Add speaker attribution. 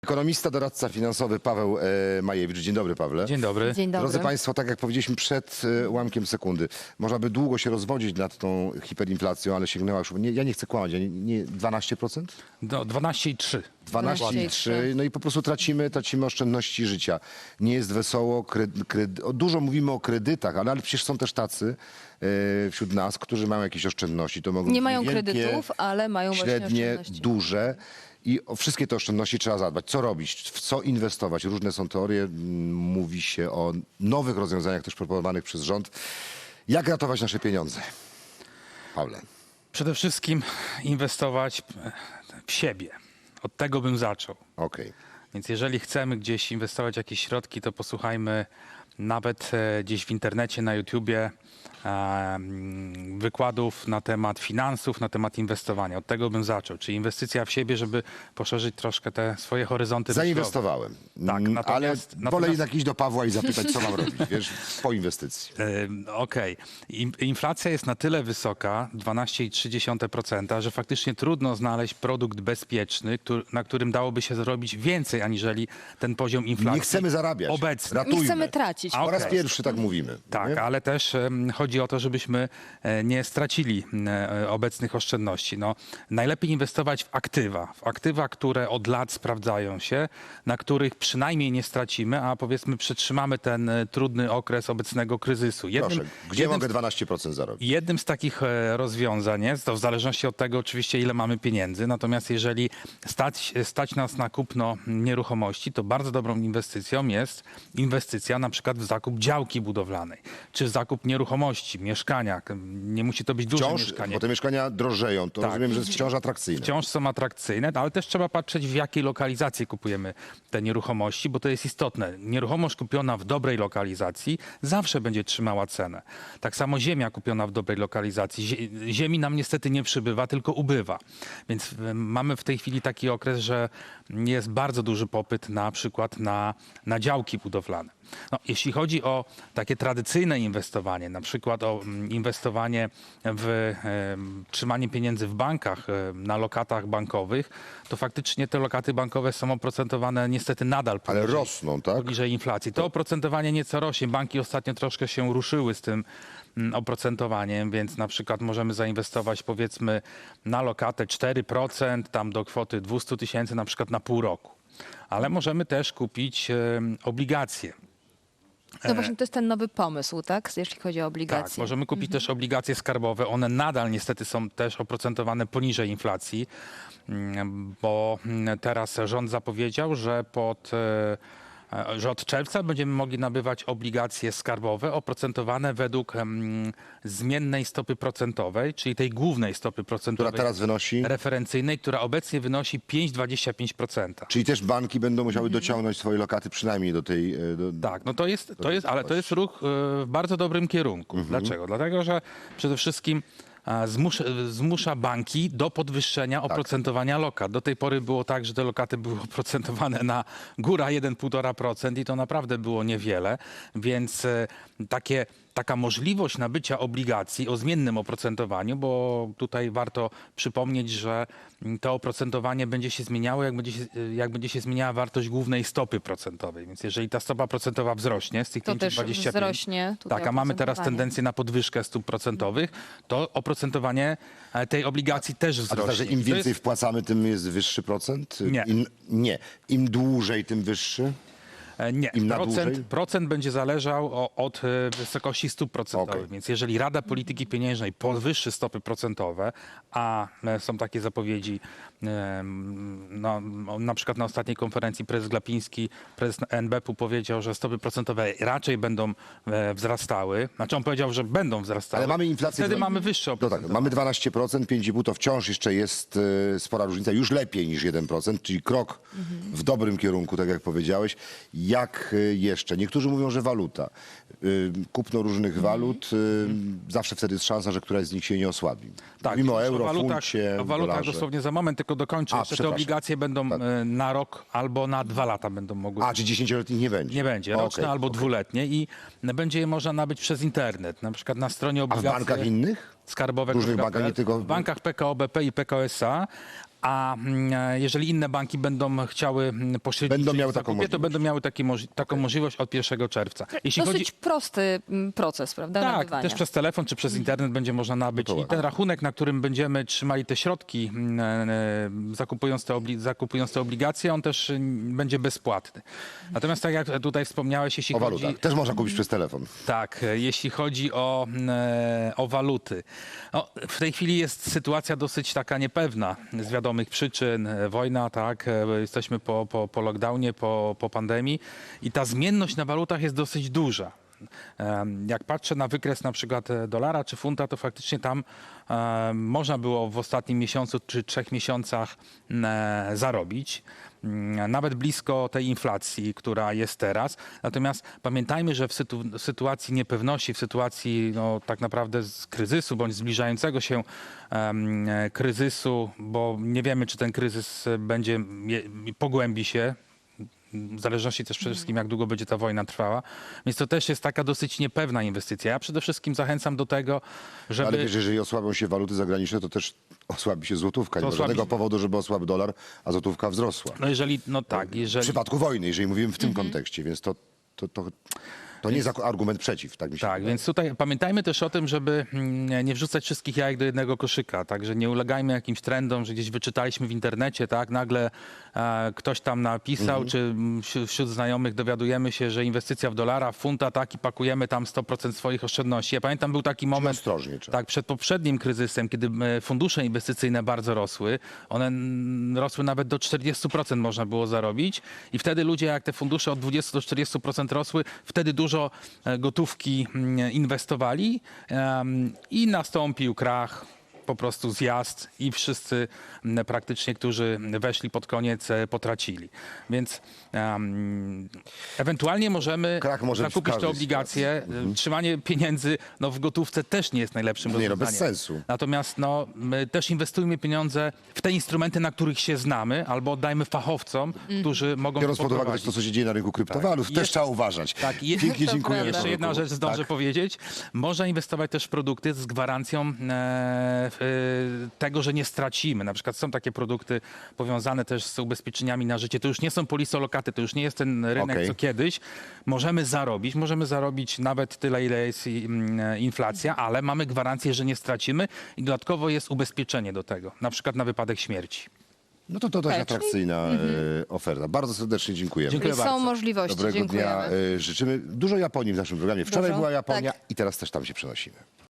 Speaker 1: Ekonomista, doradca finansowy Paweł Majewicz. Dzień dobry, Pawle.
Speaker 2: Dzień dobry.
Speaker 3: Dzień dobry.
Speaker 1: Drodzy Państwo, tak jak powiedzieliśmy przed ułamkiem sekundy, można by długo się rozwodzić nad tą hiperinflacją, ale sięgnęła już, ja nie chcę kłamać, nie 12%?
Speaker 2: No, 12,3.
Speaker 1: 12,3%. No i po prostu tracimy oszczędności życia. Nie jest wesoło, dużo mówimy o kredytach, ale przecież są też tacy wśród nas, którzy mają jakieś oszczędności. To mogą
Speaker 3: Nie
Speaker 1: być
Speaker 3: mają
Speaker 1: niewielkie,
Speaker 3: kredytów, ale mają właśnie
Speaker 1: średnie,
Speaker 3: oszczędności.
Speaker 1: duże. I o wszystkie te oszczędności trzeba zadbać. Co robić? W co inwestować? Różne są teorie. Mówi się o nowych rozwiązaniach też proponowanych przez rząd. Jak ratować nasze pieniądze? Pawle.
Speaker 2: Przede wszystkim inwestować w siebie. Od tego bym zaczął.
Speaker 1: Okej.
Speaker 2: Więc jeżeli chcemy gdzieś inwestować jakieś środki, to posłuchajmy nawet gdzieś w internecie, na YouTubie wykładów na temat finansów, na temat inwestowania. Od tego bym zaczął. Czyli inwestycja w siebie, żeby poszerzyć troszkę te swoje horyzonty myślowe.
Speaker 1: Zainwestowałem.
Speaker 2: Tak, natomiast-
Speaker 1: ale wolę jednak iść do Pawła i zapytać, co mam robić, wiesz, po inwestycji.
Speaker 2: Okej. Inflacja jest na tyle wysoka, 12,3%, że faktycznie trudno znaleźć produkt bezpieczny, na którym dałoby się zrobić więcej, aniżeli ten poziom inflacji.
Speaker 1: Nie chcemy zarabiać.
Speaker 2: Obecny.
Speaker 1: Ratujmy.
Speaker 3: Nie chcemy tracić.
Speaker 2: A
Speaker 1: Po raz
Speaker 2: okej.
Speaker 1: pierwszy tak mówimy.
Speaker 2: Tak,
Speaker 1: nie?
Speaker 2: ale też chodzi o to, żebyśmy nie stracili obecnych oszczędności. No, najlepiej inwestować w aktywa, które od lat sprawdzają się, na których przynajmniej nie stracimy, a powiedzmy przetrzymamy ten trudny okres obecnego kryzysu.
Speaker 1: Proszę, gdzie mogę 12% zarobić?
Speaker 2: Jednym z takich rozwiązań jest, to w zależności od tego oczywiście, ile mamy pieniędzy, natomiast jeżeli stać nas na kupno nieruchomości, to bardzo dobrą inwestycją jest inwestycja na przykład w zakup działki budowlanej, czy w zakup nieruchomości, mieszkania. Nie musi to być duże
Speaker 1: Wciąż,
Speaker 2: mieszkanie.
Speaker 1: bo te mieszkania drożeją, to
Speaker 2: Tak.
Speaker 1: rozumiem, że jest wciąż atrakcyjne.
Speaker 2: Wciąż są atrakcyjne, ale też trzeba patrzeć, w jakiej lokalizacji kupujemy te nieruchomości, bo to jest istotne. Nieruchomość kupiona w dobrej lokalizacji zawsze będzie trzymała cenę. Tak samo ziemia kupiona w dobrej lokalizacji. Ziemi nam niestety nie przybywa, tylko ubywa. Więc mamy w tej chwili taki okres, że jest bardzo duży popyt na przykład na działki budowlane. No, jeśli chodzi o takie tradycyjne inwestowanie, na przykład o inwestowanie w trzymanie pieniędzy w bankach, na lokatach bankowych, to faktycznie te lokaty bankowe są oprocentowane niestety nadal
Speaker 1: Ale rosną, tak?
Speaker 2: poniżej inflacji. To oprocentowanie nieco rośnie. Banki ostatnio troszkę się ruszyły z tym oprocentowaniem, więc na przykład możemy zainwestować powiedzmy na lokatę 4%, tam do kwoty 200 000 na przykład na pół roku. Ale możemy też kupić obligacje.
Speaker 3: No właśnie to jest ten nowy pomysł, tak? Jeśli chodzi o
Speaker 2: Tak,
Speaker 3: obligacje.
Speaker 2: możemy kupić też obligacje skarbowe. One nadal niestety są też oprocentowane poniżej inflacji, bo teraz rząd zapowiedział, że że od czerwca będziemy mogli nabywać obligacje skarbowe oprocentowane według zmiennej stopy procentowej, czyli tej głównej stopy procentowej.
Speaker 1: Która teraz wynosi?
Speaker 2: Referencyjnej, która obecnie wynosi 5,25%.
Speaker 1: Czyli też banki będą musiały dociągnąć swoje lokaty przynajmniej do tej...
Speaker 2: Tak, no ale to jest ruch w bardzo dobrym kierunku. Dlaczego? Dlatego, że przede wszystkim zmusza banki do podwyższenia oprocentowania lokat. Do tej pory było tak, że te lokaty były oprocentowane na góra 1,5% i to naprawdę było niewiele, więc taka możliwość nabycia obligacji o zmiennym oprocentowaniu, bo tutaj warto przypomnieć, że to oprocentowanie będzie się zmieniało, jak będzie się zmieniała wartość głównej stopy procentowej. Więc jeżeli ta stopa procentowa wzrośnie z tych
Speaker 3: To też
Speaker 2: 5,25,
Speaker 3: wzrośnie tutaj
Speaker 2: tak, a mamy teraz
Speaker 3: oprocentowanie.
Speaker 2: tendencję na podwyżkę stóp procentowych, to oprocentowanie tej obligacji też
Speaker 1: A to
Speaker 2: wzrośnie.
Speaker 1: znaczy, im
Speaker 2: To jest-
Speaker 1: więcej wpłacamy, tym jest wyższy procent?
Speaker 2: Nie.
Speaker 1: Im dłużej, tym wyższy?
Speaker 2: Nie,
Speaker 1: Im na dłużej?
Speaker 2: procent będzie zależał od wysokości stóp procentowych.
Speaker 1: Okej.
Speaker 2: Więc jeżeli Rada Polityki Pieniężnej podwyższy stopy procentowe, a są takie zapowiedzi, no, na przykład na ostatniej konferencji prezes Glapiński, prezes NBP-u powiedział, że stopy procentowe raczej będą wzrastały. Znaczy on powiedział, że będą wzrastały.
Speaker 1: Ale mamy inflację...
Speaker 2: Wtedy mamy wyższe
Speaker 1: No tak,
Speaker 2: oprocentowanie.
Speaker 1: mamy 12%, 5,5% to wciąż jeszcze jest spora różnica, już lepiej niż 1%, czyli krok w dobrym kierunku, tak jak powiedziałeś. Jak jeszcze? Niektórzy mówią, że waluta. Kupno różnych walut, zawsze wtedy jest szansa, że któraś z nich się nie osłabi.
Speaker 2: Tak,
Speaker 1: Mówimy o
Speaker 2: już
Speaker 1: euro, funcie,
Speaker 2: o walutach
Speaker 1: dolarze.
Speaker 2: dosłownie za moment, tylko dokończę. Jeszcze te
Speaker 1: przepraszam.
Speaker 2: obligacje będą na rok albo na 2 lata będą mogły.
Speaker 1: A, czy 10-letnich nie będzie?
Speaker 2: Nie będzie, roczne
Speaker 1: Okej.
Speaker 2: albo dwuletnie i będzie je można nabyć przez internet, na przykład na stronie
Speaker 1: A w
Speaker 2: obligacji
Speaker 1: bankach innych?
Speaker 2: skarbowe.
Speaker 1: Różnych bankach, nie tylko-
Speaker 2: W bankach PKO BP i PKO SA, A jeżeli inne banki będą chciały poszerzyć
Speaker 1: Będą
Speaker 2: ich
Speaker 1: miały taką
Speaker 2: zakupie, to
Speaker 1: możliwość.
Speaker 2: będą miały taką możliwość od 1 czerwca. Jeśli chodzi...
Speaker 3: Dosyć prosty proces, prawda,
Speaker 2: Tak,
Speaker 3: nabywania.
Speaker 2: też przez telefon czy przez internet będzie można nabyć.
Speaker 1: No to
Speaker 2: I ten rachunek, na którym będziemy trzymali te środki, zakupując te obligacje, on też będzie bezpłatny. Natomiast tak jak tutaj wspomniałeś, jeśli
Speaker 1: O
Speaker 2: chodzi...
Speaker 1: walutach. Też można kupić przez telefon.
Speaker 2: Tak, jeśli chodzi o waluty. No, w tej chwili jest sytuacja dosyć taka niepewna z wiadomych przyczyn. Wojna, tak, jesteśmy po lockdownie, po pandemii i ta zmienność na walutach jest dosyć duża. Jak patrzę na wykres na przykład dolara czy funta, to faktycznie tam można było w ostatnim miesiącu czy 3 miesiącach zarobić. Nawet blisko tej inflacji, która jest teraz. Natomiast pamiętajmy, że w sytuacji niepewności, w sytuacji no, tak naprawdę z kryzysu bądź zbliżającego się kryzysu, bo nie wiemy, czy ten kryzys pogłębi się, w zależności też przede wszystkim, jak długo będzie ta wojna trwała. Więc to też jest taka dosyć niepewna inwestycja. Ja przede wszystkim zachęcam do tego, żeby...
Speaker 1: Ale wiesz, jeżeli osłabią się waluty zagraniczne, to też osłabi się złotówka. Nie ma
Speaker 2: osłabi-
Speaker 1: żadnego powodu, żeby osłabł dolar, a złotówka wzrosła.
Speaker 2: No jeżeli, no tak,
Speaker 1: W
Speaker 2: jeżeli...
Speaker 1: przypadku wojny, jeżeli mówimy w tym kontekście, więc to nie jest argument przeciw, tak mi się
Speaker 2: Tak,
Speaker 1: wydaje.
Speaker 2: więc tutaj pamiętajmy też o tym, żeby nie wrzucać wszystkich jajek do jednego koszyka, także nie ulegajmy jakimś trendom, że gdzieś wyczytaliśmy w internecie, tak, nagle ktoś tam napisał, czy wśród znajomych dowiadujemy się, że inwestycja w dolara, w funta, tak, i pakujemy tam 100% swoich oszczędności. Ja pamiętam, był taki moment,
Speaker 1: ostrożnie trzeba.
Speaker 2: tak, przed poprzednim kryzysem, kiedy fundusze inwestycyjne bardzo rosły, one rosły nawet do 40% można było zarobić i wtedy ludzie, jak te fundusze od 20 do 40% rosły, wtedy dużo gotówki inwestowali i nastąpił krach, po prostu zjazd i wszyscy praktycznie, którzy weszli pod koniec, potracili. Więc ewentualnie możemy
Speaker 1: Krach może być w
Speaker 2: zakupić te
Speaker 1: każdej
Speaker 2: obligacje. Trzymanie pieniędzy no, w gotówce też nie jest najlepszym
Speaker 1: Nie, no,
Speaker 2: rozwiązaniem.
Speaker 1: bez sensu.
Speaker 2: Natomiast no, my też inwestujmy pieniądze w te instrumenty, na których się znamy, albo oddajmy fachowcom, którzy mogą
Speaker 1: Biorąc
Speaker 2: to
Speaker 1: pod uwagę też
Speaker 2: poprowadzić.
Speaker 1: to, co się dzieje na rynku kryptowalut,
Speaker 2: Tak.
Speaker 1: też trzeba uważać.
Speaker 2: Tak,
Speaker 1: Pięknie
Speaker 3: To
Speaker 1: dziękuję.
Speaker 3: prawda.
Speaker 2: Jeszcze jedna rzecz zdążę powiedzieć. Można inwestować też w produkty z gwarancją tego, że nie stracimy. Na przykład są takie produkty powiązane też z ubezpieczeniami na życie. To już nie są polisolokaty, to już nie jest ten rynek,
Speaker 1: Okej.
Speaker 2: co kiedyś. Możemy zarobić nawet tyle, ile jest inflacja, ale mamy gwarancję, że nie stracimy i dodatkowo jest ubezpieczenie do tego, na przykład na wypadek śmierci.
Speaker 1: No to dość
Speaker 3: Tak, czyli-
Speaker 1: atrakcyjna oferta. Bardzo serdecznie dziękujemy.
Speaker 2: Dziękuję
Speaker 3: Czyli są
Speaker 2: bardzo.
Speaker 3: możliwości.
Speaker 1: Dobrego
Speaker 3: Dziękujemy.
Speaker 1: dnia życzymy. Dużo Japonii w naszym programie. Wczoraj
Speaker 3: Dużo?
Speaker 1: była Japonia
Speaker 3: Tak.
Speaker 1: i teraz też tam się przenosimy.